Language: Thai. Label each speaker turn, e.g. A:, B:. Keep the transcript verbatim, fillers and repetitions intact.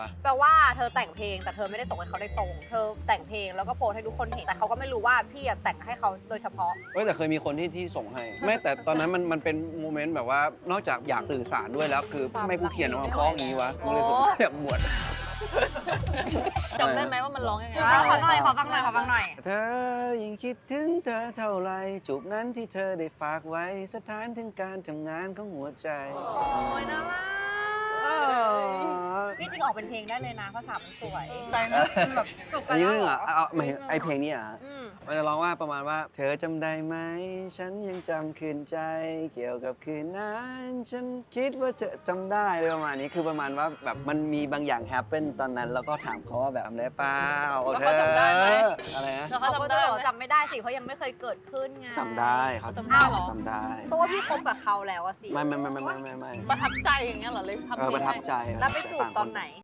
A: แปลว่าเธอแต่งเพลงแต่เธอไม่ได้ส่งให้เขาได้ตรงเธอแต่งเพลงแล้วก็โพสให้ทุกคนเห็นแต่เขาก็ไม่รู้ว่าพี่แต่งให้เขาโดยเฉพาะ
B: เฮ้ยแต่เคยมีคนที่ที่ส่งให้ไม่แต่ตอนนั้นมันมันเป็นโมเมนต์แบบว่านอกจากอยากสื่อสารด้วยแล้วคือทำไมกูเขียนออกมาเพราะอย่างนี้วะกูเลยรู้สึกอยากบวช
C: จำได้ไหมว่ามันร้องยังไง
A: ขอหน่อยขอฟังหน่อยขอฟังหน่อย
B: เธอยิ่งคิดถึงเธอเท่าไรจูบนั้นที่เธอได้ฝากไว้สถานถึงการทำงานของหัวใจ
A: โอ้ยน่ารักนี่จริงออกเป็นเพลงได้เลยนะภาษามันสวย
C: แต่นะแบบ
A: จบกั
B: อั
A: น
B: นนี้
A: แล้ว
B: เรื่อง
A: เหร
B: อ่ะ
A: อ
B: เอาหมายไอเพลงนี้อ่ะ
A: อืม
B: มันจะร้องว่าประมาณว่าเธอจำได้ไหมฉันยังจำคืนใจ เกี่ยวกับคืนนั้นฉันคิดว่าจะจำได้เลยประมาณนี้คือประมาณว่าแบบมันมีบางอย่างแฮปเปนตอนนั้นแล้วก็ถามเขาว่าแบบจำได้เปล่า
C: แล้ว
B: เธ
C: เขา
B: อ
C: จำได้ไหม
B: อะไรนะ
C: แล้ว
A: เขา
C: เขา
A: ก็
C: จำ
A: จะ
C: ได้
A: บอก
C: ไหม
A: จำไม่ได้สิเพราะยังไม่เคยเกิดขึ้นไง
B: จำได้เขา
C: จำได้เหรอ
B: จำได้
A: เพราะว่าพี่คบกับเขาแล้วอะสิ
B: ไม่ไม่ไม่ไม่ไม่ไม่ไม่
C: ประทับใจอย่างเงี้ยเหรอเลยทำ
B: เออ
C: เพล
B: ประ
C: ง
B: ทับ
C: ให้
B: ใจ
A: แล้วไปจูบตอนไหน